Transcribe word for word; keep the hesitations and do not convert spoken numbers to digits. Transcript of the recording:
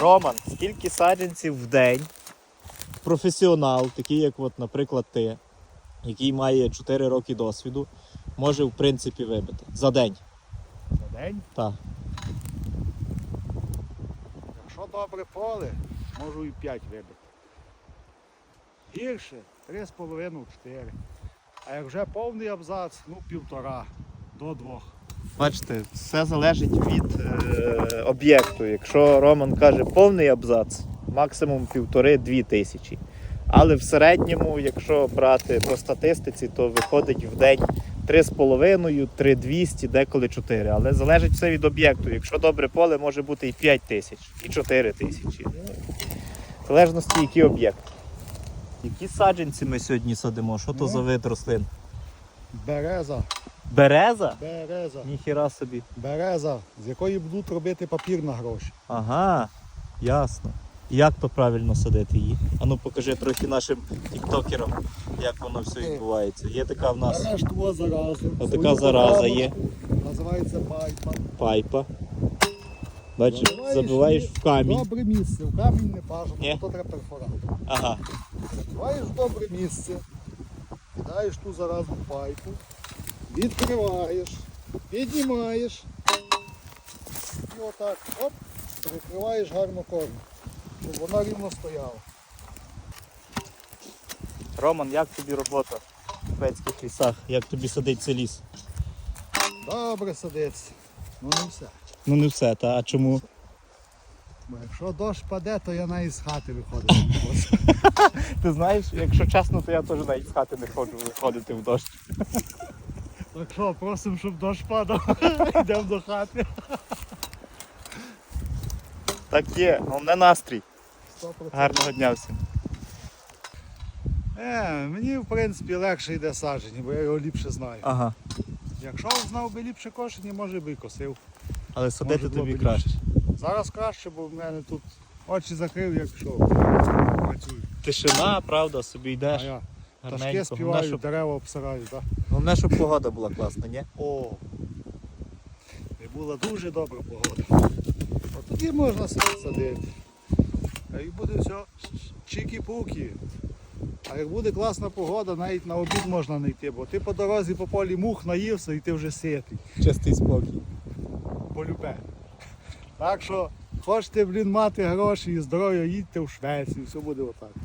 Роман, скільки саджанців в день професіонал, такий як, от, наприклад, ти, який має чотири роки досвіду, може в принципі вибити? За день? За день? Так. Якщо добре поле, можу і п'ять вибити. Гірше три з половиною чотири. А як вже повний абзац, ну півтора до двох. Бачите, все залежить від е, об'єкту. Якщо Роман каже повний абзац, максимум півтори-дві тисячі. Але в середньому, якщо брати по статистиці, то виходить в день три з половиною, три двісті, деколи чотири. Але залежить все від об'єкту. Якщо добре поле, може бути і п'ять тисяч, і чотири тисячі. В залежності, який об'єкт. Які саджанці ми сьогодні садимо? Що то Ну. за вид рослин? Береза. Береза? Береза. Ніхіра собі. Береза, з якої будуть робити папір на гроші. Ага, ясно. Як то правильно садити її? А ну покажи трохи нашим тіктокерам, як воно все відбувається. Є така в нас Береш ту заразу. отака свою зараза є, поправочку, називається пайпа. пайпа. Бачиш, Забиваєш забиваєш її в камінь. Добре місце, в камінь не бажано, Ні? бо то треба перфоратор. Ага. Забиваєш в добре місце, кидаєш ту заразу в пайпу, відкриваєш, піднімаєш і отак, оп, перекриваєш гарно корм, щоб вона рівно стояла. Роман, як тобі робота в Пецьких лісах? Як тобі садить цей ліс? Добре садиться, ну не все. Ну не все, та а чому? Бо якщо дощ паде, то я навіть з хати виходити не можу. Ти знаєш, якщо чесно, то я теж навіть з хати не ходжу виходити в дощ. Так що, просимо, щоб дощ падав, йдемо до хати. Так є, головне настрій. сто процентів. Гарного дня всім. Е, мені в принципі легше йде садження, бо я його ліпше знаю. Ага. Якщо знав би ліпше кошення, може би і косив. Але садити Може, було тобі б краще. Зараз краще, бо в мене тут очі закрив, як що працюю. Тишина, правда, собі А йдеш. я пташки Гарненько. Головне, співають, щоб, дерева обсирають. Так? головне, щоб погода була класна, ні? О, і була дуже добра погода. От тоді можна садити. А і буде все чікі-пукі. А як буде класна погода, навіть на обід можна не йти, бо ти по дорозі по полі мух наївся і ти вже ситий. Чистий спокій. Полюбе. Так що хочете, блін, мати гроші і здоров'я, їдьте в Швецію, все буде отак.